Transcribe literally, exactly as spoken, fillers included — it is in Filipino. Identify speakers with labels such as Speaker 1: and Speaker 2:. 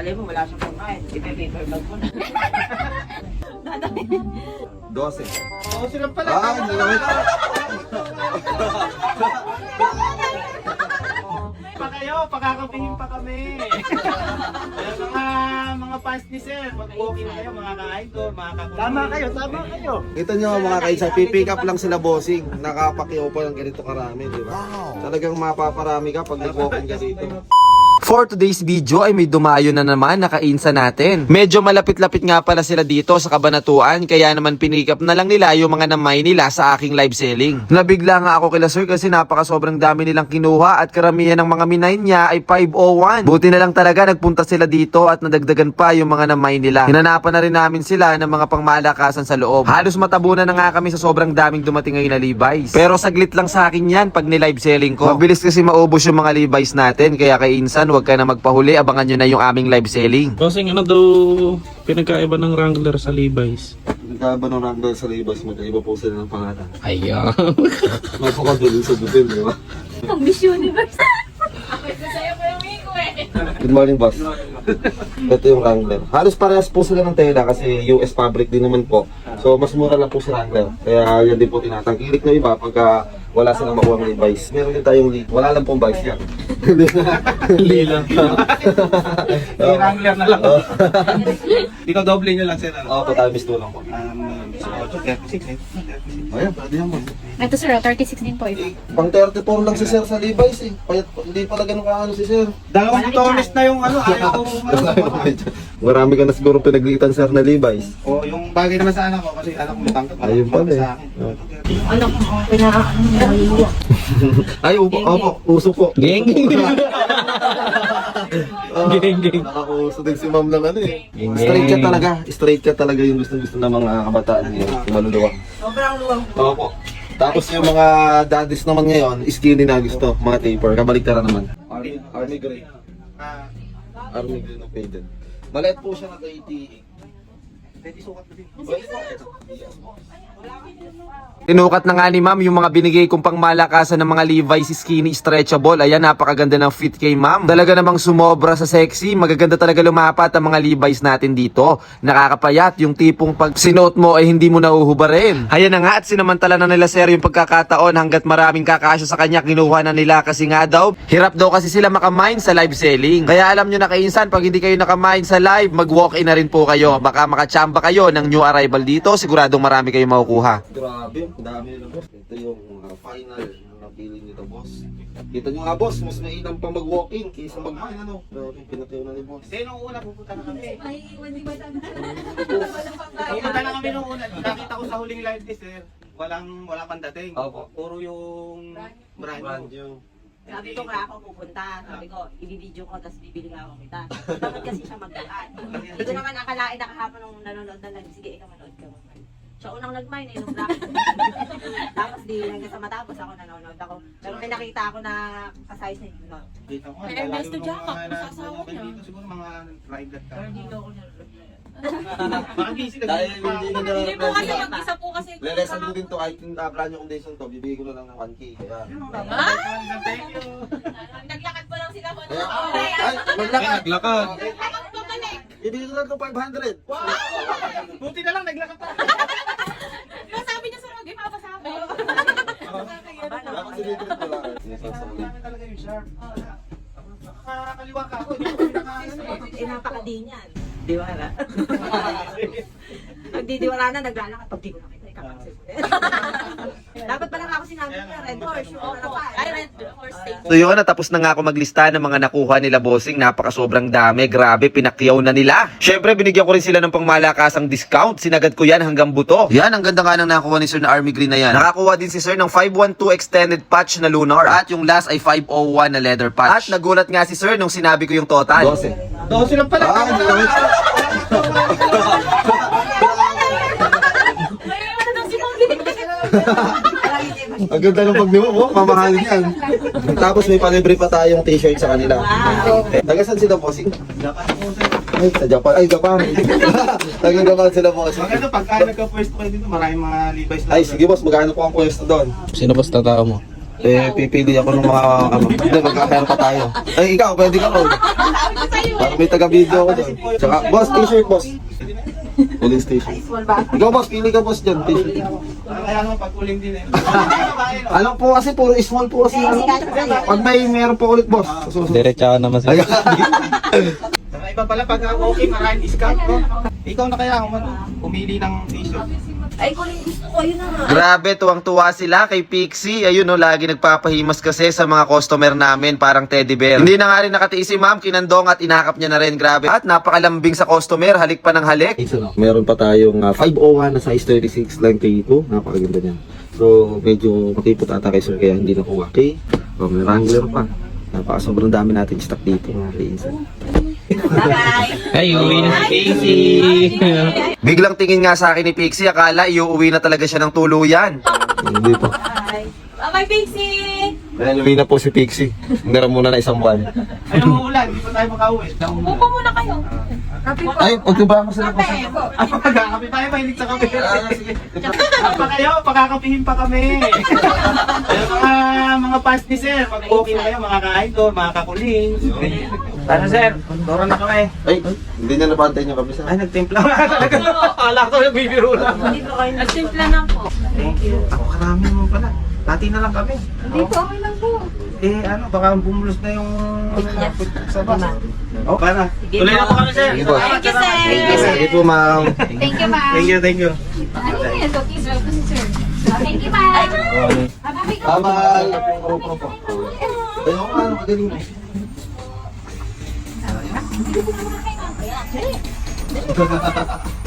Speaker 1: Malay mo, wala siyang kumain. Ipe-paper bag mo na.
Speaker 2: Dose.
Speaker 3: Oo, sila pala.
Speaker 2: Ah, nalawit.
Speaker 3: Pa kayo, pakakapingin pa kami. Kaya mga mga fans ni Sir, mag-walking kayo, mga ka-idol, mga ka Tama kayo, tama kayo.
Speaker 2: Kita nyo mga kaisa, pipick up lang sila bossing. Nakapakiyaw pa ng ganito karami, di ba? Talagang mapaparami ka pag nag-walking ka dito.
Speaker 4: For today's video ay may dumayo na naman na kainsa natin. Medyo malapit-lapit nga pala sila dito sa Kabanatuan, kaya naman pinikap na lang nila yung mga namay nila sa aking live selling. Nabigla nga ako kila sir kasi napaka sobrang dami nilang kinuha at karamihan ng mga minay niya ay five oh one. Buti na lang talaga nagpunta sila dito at nadagdagan pa yung mga namay nila. Hinanapan na rin namin sila ng mga pangmalakasan sa loob. Halos matabunan na nga kami sa sobrang daming dumating ngayon na Levi's. Pero saglit lang sa akin yan pag ni-live selling ko. Mabilis kasi maubos yung mga Levi's natin, kaya kay Insan huwag ka na magpahuli, abangan nyo na yung aming live selling.
Speaker 5: Bossing, ano daw pinagkaiba ng Wrangler sa Levi's?
Speaker 2: Nagkaba ng random sa labas, magkaiba po sila ng pangalan.
Speaker 5: Ayaw.
Speaker 2: Mapakadulong sa butin, di ba?
Speaker 6: Ang Miss Universe. Ako ito sa'yo po yung Miko eh.
Speaker 2: Good morning, boss. Ito yung Wrangler. Halos parehas po sila ng tela kasi U S fabric din naman po. So, mas mura lang po si Wrangler. Kaya yan din po tinatangkilik na iba pagka wala silang makuha ng Levi's. Meron din tayong lead. Wala lang pong vice yan.
Speaker 5: Lila.
Speaker 3: May Wrangler na lang. Ikaw doble nyo lang, Sir.
Speaker 2: Oo, po tayo miss lang po.
Speaker 3: Um, so, thirty-six eh.
Speaker 2: Ayan, pwede yan mo.
Speaker 6: Ito sir, thirty-six din po ito.
Speaker 2: Pang thirty-four lang si Sir sa Levi's eh. Kaya hindi pala ganun kaano si Sir.
Speaker 3: Dalawang tutorials na yung ano, ayaw ko
Speaker 2: Marami ka na siguro pinaglitan Sir na Levi's.
Speaker 3: O, yung bagay naman sa anak ko, kasi anak ko matangkap.
Speaker 2: Ayun pala eh.
Speaker 3: Sa akin.
Speaker 6: Ano ko, pinaka-ano.
Speaker 2: Ay, upo, opo, uso po.
Speaker 5: Geng, geng.
Speaker 2: Ah,
Speaker 5: Geng, geng.
Speaker 2: Nakakauso din si ma'am lang ano eh. Straight cut talaga. Straight cut talaga yung gusto-gusto ng mga kabataan ngayon. Yung maluluwa.
Speaker 1: Sobrang luwang.
Speaker 2: Opo. Tapos yung mga daddies naman ngayon, skinny na gusto. Mga taper. Kabaligtaran naman. Army, Army Gray.
Speaker 3: Ah,
Speaker 2: Army Gray na faded. Maliit po siya na K T E.
Speaker 3: pwede sukat na din.
Speaker 4: Tinukat na nga ni ma'am yung mga binigay kong pangmalakasan ng mga Levi's skinny stretchable. Ayan, napakaganda ng fit kay ma'am. Talaga namang sumobra sa sexy. Magaganda talaga lumapat ang mga Levi's natin dito. Nakakapayat yung tipong pag sinuot mo ay hindi mo nahuhubarin. Ayan na nga at sinamantala na nila sir yung pagkakataon hanggat maraming kakasya sa kanya kinuha na nila kasi nga daw hirap daw kasi sila makamine sa live selling. Kaya alam nyo na kainsan, pag hindi kayo nakamine sa live, mag walk in na rin po kayo. Baka makachamba kayo ng new arrival dito. Siguradong marami kayong makukuha.
Speaker 2: Grabe, ang dami nila boss. Ito yung uh, final na feeling nito boss. Kita nyo nga boss, mas mainam pa mag-walk-in kaysa mag-mine ano. Pero pinatayo na ni boss.
Speaker 3: Kasi nung una, pupunta na kami.
Speaker 6: Ay, hindi ba tayo?
Speaker 3: Pupunta na kami nung una. Nakita ko sa huling live ni Sir, walang, wala pang dating.
Speaker 2: Opo.
Speaker 3: Puro yung brand
Speaker 2: Brand
Speaker 3: new.
Speaker 2: yung
Speaker 1: Sabi ko kaya ako pupunta. Sabi ko, i-video ko, tapos bibili nga ako kita. Dapat kasi siya magdaan. Hindi ko naman akalain na kahapon nung nanonood na lang. Sige, ikaw manood ka. Siya unang nag-mine eh, nung bracket. Tapos di hanggang sa matapos ako nanonood ako. Pero may nakita ako na kasize na yun.
Speaker 3: Dito ko.
Speaker 6: Kay Ernesto Jacob,
Speaker 3: mga
Speaker 6: sa asawa
Speaker 3: na-
Speaker 6: niya.
Speaker 3: Dito siguro mga live that ka.
Speaker 1: Pero dito ako nanonood.
Speaker 3: Baka busy na
Speaker 2: dahil hindi na nila
Speaker 6: Hindi po kasi mag-isa po kasi.
Speaker 2: lelesan ko din to kahit yung uh, brand new condition to, bibigay ko na lang ng one K. Kaya,
Speaker 3: Thank you.
Speaker 6: Naglakad pa lang sila po.
Speaker 2: kaya, ay, maglakad.
Speaker 5: Naglakad.
Speaker 6: Pabalik.
Speaker 2: Ibigay ko na ito five hundred.
Speaker 3: Buti na lang, naglakad pa.
Speaker 6: Sabi niya sa Rogi, papasabi.
Speaker 2: Dapat sinitrit ko lang. Sinasasali.
Speaker 3: Talaga yung sharp. Nakakaliwa ka ako. Hindi ko pinaka-
Speaker 1: Eh, napakadi niyan. Diwara. Pag di diwara na, naglalakad. Pag di ko nakita, ikakancel ko. Dapat pala nga ako sinabi niya, red horse, yung ano pa.
Speaker 6: Ay, red horse state.
Speaker 4: So yun, natapos na nga ako maglista ng mga nakuha nila bossing. Napaka sobrang dami. Grabe, pinakyaw na nila. Syempre, binigyan ko rin sila ng pangmalakasang discount. Sinagad ko yan hanggang buto. Yan, ang ganda nga ng nakuha ni Sir na Army Green na yan. Nakakuha din si Sir ng five one two extended patch na lunar. At yung last ay five oh one na leather patch. At nagulat nga si Sir nung sinabi ko yung total.
Speaker 2: Dose.
Speaker 3: Dose lang pala.
Speaker 2: Ah, nalawit.
Speaker 6: Ay, ano daw si Mami?
Speaker 2: Ang ganda ng pagdiwa mo, mamahalin yan. Tapos may palibre pa tayong t-shirt sa kanila. Taga saan sila bossing? Ay, sa Japan. Ay, Japan. Taga Japan sila bossing.
Speaker 3: Maganda, pagka nagka-pwesto kayo dito, maraming mga Levi's lang.
Speaker 2: Ay, sige boss, magkano po ang pwesto doon?
Speaker 5: Sino ba sa tao mo?
Speaker 2: Eh, pipili ako ng mga, ano, hindi, magkakaya pa tayo. Ay, ikaw, pwede ka ron. Parang may taga-video ako doon. Tsaka, boss, t-shirt, boss. Police station.
Speaker 1: Small ba?
Speaker 2: Ikaw, boss, pili ka, boss, dyan, t-shirt.
Speaker 3: Kaya naman pagkuling din eh.
Speaker 2: Alam po kasi, puro small po kasi. ano. Pag may meron po ulit, boss.
Speaker 5: Diretsahan naman
Speaker 2: Ay,
Speaker 3: Saka iba pala pag okay, maraming discount ko. Ikaw na kaya kung ano, pumili ng t-shirt.
Speaker 1: Ay, kung gusto ko, yun na nga.
Speaker 4: Grabe, tuwang-tuwa sila kay Pixie. Ayun no, lagi nagpapahimas kasi sa mga customer namin, parang teddy bear. Hindi na nga rin nakatiis si ma'am, kinandong at inakap niya na rin. Grabe. At napakalambing sa customer, halik pa ng halik.
Speaker 2: meron pa tayong uh, five oh one na size thirty-six lang thirty-two. Napakaganda niyan. So, medyo makipot ata kay sir kaya hindi nakuha. Okay? So, may Wrangler pa. Napaka sobrang dami natin stock dito mga kainsan.
Speaker 1: Bye-bye.
Speaker 5: Ay, uwi na si Casey.
Speaker 4: Biglang tingin nga sa akin ni Pixie, akala iuuwi na talaga siya ng tuluyan.
Speaker 2: Hindi po.
Speaker 1: Bye. Bye-bye, Pixie!
Speaker 2: Kaya luwi na po si Pixie. Meron muna na isang buwan.
Speaker 3: Ay, umuulan, hindi pa tayo makauwi.
Speaker 1: Upo muna kayo. Kape po.
Speaker 2: Ay, pagtuba mo sila po.
Speaker 1: Kape po.
Speaker 3: Ah, magkakape tayo, mahilig sa kape. Pa kayo, pakakapihin pa kami. Ayun, mga mga fans ni sir, pag okay na kayo, mga ka-idol, mga kakuling. Tara sir, turo na kami.
Speaker 2: Ay, hindi niya napantay niyo kami sa.
Speaker 3: Ay, nagtimpla nga talaga. Akala ko nagbibiro lang.
Speaker 1: Hindi po kayo. Nagsimpla na po.
Speaker 3: Thank you. Ako karami mo pala. Pati na lang kami.
Speaker 1: Hindi po, okay lang po.
Speaker 3: Eh ano, baka bumulos na yung
Speaker 1: Yes.
Speaker 3: sa bus. Oh, para.
Speaker 1: Sige
Speaker 3: Tuloy na po kami sir.
Speaker 2: Sige po.
Speaker 1: Thank you, sir.
Speaker 2: Sige po, ma'am.
Speaker 6: Thank you, ma'am.
Speaker 3: Thank you, thank you.
Speaker 6: Ano yan? Cookies, raw to si sir. Thank you, ma'am. Happy ka.
Speaker 2: Bye-bye. Ayun, ano, magaling mo.
Speaker 6: Dali.